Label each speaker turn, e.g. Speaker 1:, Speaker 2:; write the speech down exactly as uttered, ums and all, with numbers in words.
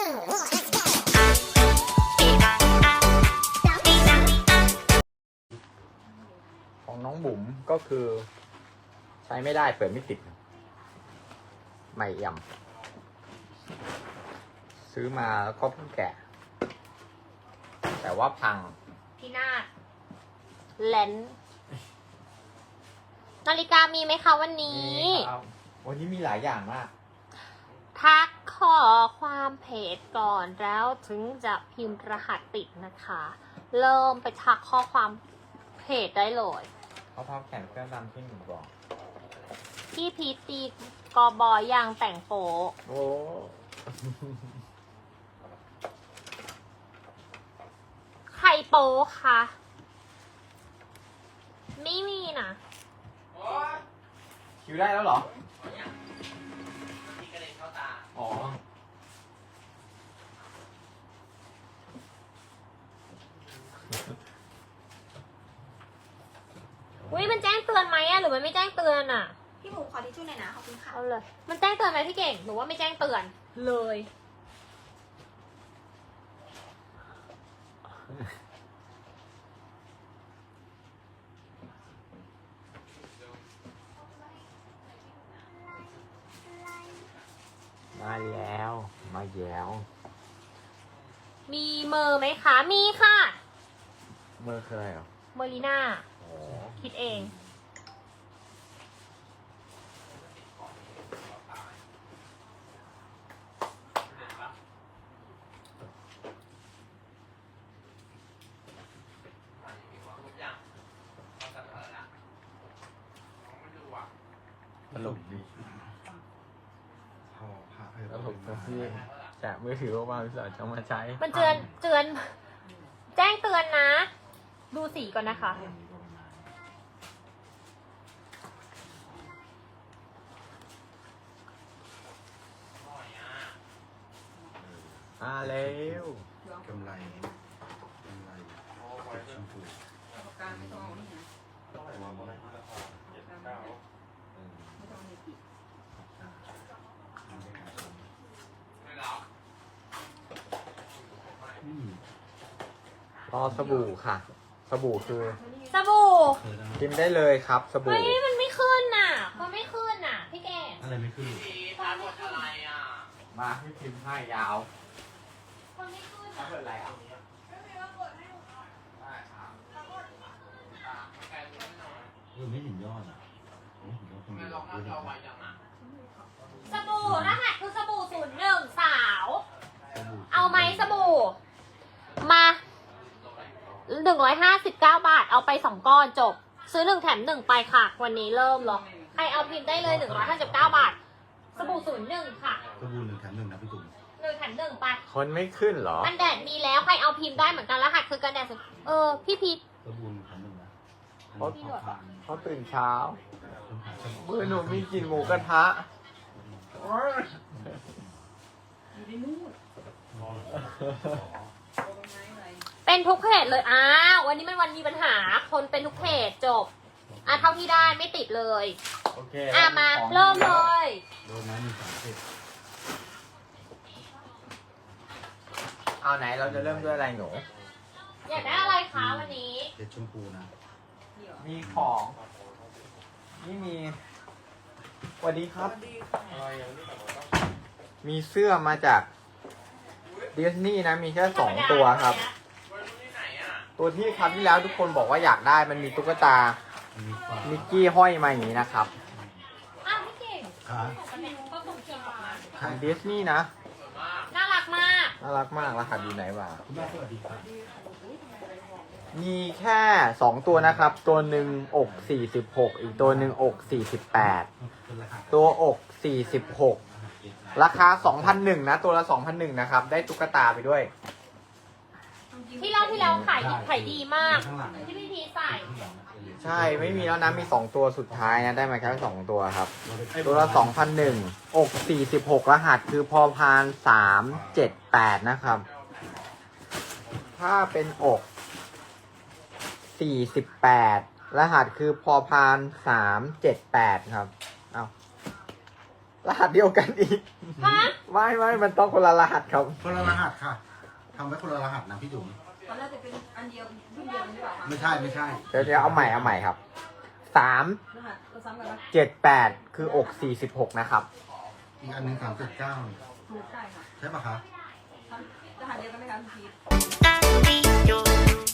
Speaker 1: ของน้องบุ๋มก็คือใช้ไม่ได้เปิดไม่ติดไม่เอี่ยมซื้อมาแล้วก็เพิ่งแกะแต่ว่าพัง
Speaker 2: พี่นาฏเลนส์นาฬิกามีไหมคะวันนี้
Speaker 1: ครับวันนี้มีหลายอย่างมาก
Speaker 2: ทักขอความเพจก่อนแล้วถึงจะพิมพ์รหัสติดนะคะ เริ่มไปทักข้อความเพจได้เลย
Speaker 1: เขาพับแขนเครื่องดำที่หนึ่งบอก
Speaker 2: พี่พีชตีกอบอยางแต่งโปะ
Speaker 1: โอ้
Speaker 2: ใครโปะคะไม่มีนะ
Speaker 1: คิวได้แล้วเหรออ๋อ
Speaker 2: อุ้ยมันแจ้งเตือนไหมอะหรือมันไม่แจ้งเตือนอะ
Speaker 3: พี่หมูขอทิชชู่หน่อยนะขอบคุณค่ะ
Speaker 2: เอาเลย มันแจ้งเตือนไหมพี่เก่งหรือว่าไม่แจ้งเตือนเลย
Speaker 1: มาแล้วมาแย้ว
Speaker 2: มีเมอร์ไหมคะ มีค่ะ
Speaker 1: เมื่อเคยเหรอ
Speaker 2: เมอรีน่า
Speaker 1: โอ้
Speaker 2: คิดเอง
Speaker 1: ตลกดี
Speaker 4: พอพาไป
Speaker 1: ตลกตรงที่แกะมือถือว่าพี่สาวจะมาใช้
Speaker 2: มันเตือนเตือน แจ้งเตือนนะ ดูสีก่อนนะคะ
Speaker 1: มาแล้ว
Speaker 4: กำไรกำไรติดชมพูอืม
Speaker 1: รอสบู่ค่ะ สบู่คือ
Speaker 2: สบู่
Speaker 4: เธอได้
Speaker 1: กินได้เลยครับ สบู่
Speaker 2: เฮ้ย มันไม่ขึ้นน่ะ มันไม่ขึ้นน่ะ พี่แก
Speaker 4: อะไรไม่ขึ้น
Speaker 1: มาให้พิมพ์ให้ยาว
Speaker 2: มันไม่ขึ้น
Speaker 1: ถ้า
Speaker 2: น่ะ
Speaker 1: เปิดอะไรอ่ะ
Speaker 4: เออไม่เห็นยอดอ่ะไม่เห็นยอดคนเดียวเออเห็นยอด
Speaker 2: สบู่รหัสคือสบู่ศูนย์หนึ่งสาว
Speaker 4: สบู่
Speaker 2: เอาไหมสบู่ มาหนึ่งร้อยห้าสิบเก้าบาท เอาไปสองก้อนจบ ซื้อหนึ่งแถมหนึ่งไปค่ะ วันนี้เริ่มหรอใครเอาพิมพ์ได้เลยหนึ่งร้อยห้าสิบเก้าบาท สบู่ศูนย์หนึ่งค่ะ
Speaker 4: สบู่หนึ่งแถมหนึ่งนะพี่ตุ่ม
Speaker 2: หนึ่งแถมหนึ่งไป
Speaker 1: คนไม่ขึ้นเหรอ
Speaker 2: กันแดดมีแล้ว ใครเอาพิมพ์ได้เหมือนกันรหัสคือกันแดดสุดเออ พี่พีท
Speaker 4: สบู่หนึ่งแถมหนึ่งนะ
Speaker 1: เพราะ
Speaker 4: พอทาน
Speaker 1: เขาตื่นเช้า
Speaker 4: คนหาสบู่
Speaker 1: เมื่อหนูมีกินหมูกระทะ
Speaker 2: เป็นทุกเพจเลย อ้าว วันนี้มันวันมีปัญหา คนเป็นทุกเพจจบ อ่ะเท่าที่ได้ไม่ติดเลย
Speaker 1: โอเค
Speaker 2: อ่ะมา
Speaker 1: ของ
Speaker 2: เริ่มเลย
Speaker 4: โดนน้ำมีสามเศษ
Speaker 1: เอาไหนเราจะเริ่มด้วยอะไรหนู
Speaker 2: อยากได้อะไรคะวันนี้
Speaker 4: เศษชมพูนะ
Speaker 1: มีของ นี่มีสวัสดีครับ มีเสื้อมาจากดิสนีย์นะ มีแค่สองตัวครับ ตัวที่ครั้งที่แล้วทุกคนบอกว่าอยากได้มันมีตุ๊กตา
Speaker 4: มันมีฟ้า
Speaker 1: มิกกี้ห้อยมาอย่างนี้นะครับ
Speaker 2: อ้าวพี่เก่ง
Speaker 4: ขา
Speaker 2: ก็ส่งเชียงออกมา
Speaker 1: ของดิสนีย์นะ
Speaker 2: น่ารักมาก
Speaker 1: น่ารักมากรหัสอยู่ไหนวะ
Speaker 4: คุณแม่สวัสดีครับ
Speaker 1: มีแค่สองตัวนะครับ ตัวหนึ่งอกสี่สิบหกอีกตัวหนึ่งอกสี่สิบแปด
Speaker 4: เป็นรหัส
Speaker 1: ตัวอกสี่สิบหกราคาสองพันหนึ่งนะ ตัวละสองพันหนึ่งนะครับ ได้ตุ๊กตาไปด้วย
Speaker 2: ที่เราที่เราขายดีขายดีมาก
Speaker 4: ข้างหลัง
Speaker 2: ที่พี่พีชใส่
Speaker 4: ข้างหลัง
Speaker 1: ใช่ไม่มีแล้วนะ มีสองตัวสุดท้ายนะ ได้มาแค่สองตัวครับ ตัวละสองพันหนึ่งอกสี่สิบหกรหัสคือพอพานสามเจ็ดแปดนะครับ ถ้าเป็นอกสี่สิบแปดรหัสคือพอพานสามเจ็ดแปดครับ เอารหัสเดียวกันอีก
Speaker 2: ฮะ
Speaker 1: ไม่ไม่มันต้องคนละรหัสครับ
Speaker 4: คนละรหัสค่ะทำไว้คนละรหัสนะพี่จุ๋ม
Speaker 3: ตอนแรกจะเป็นอันเดียวรุ่นเดียวกันหรือเปล่าคะ
Speaker 4: ไม่ใช่ไม่ใช่
Speaker 1: เดี๋ยวเดี๋ยวเอาใหม่เอาใหม่ครับสาม
Speaker 3: รหัสเราซ้ำกันไหม
Speaker 1: เจ็ดแปดคืออกสี่สิบหกนะครับ
Speaker 4: อีกอันหนึ่งสามเจ็ดเก้า
Speaker 3: ถูกใช่ค่ะ
Speaker 4: ใช่ปะคะ
Speaker 3: รหัสเดียวกันไหมคะพี่พีท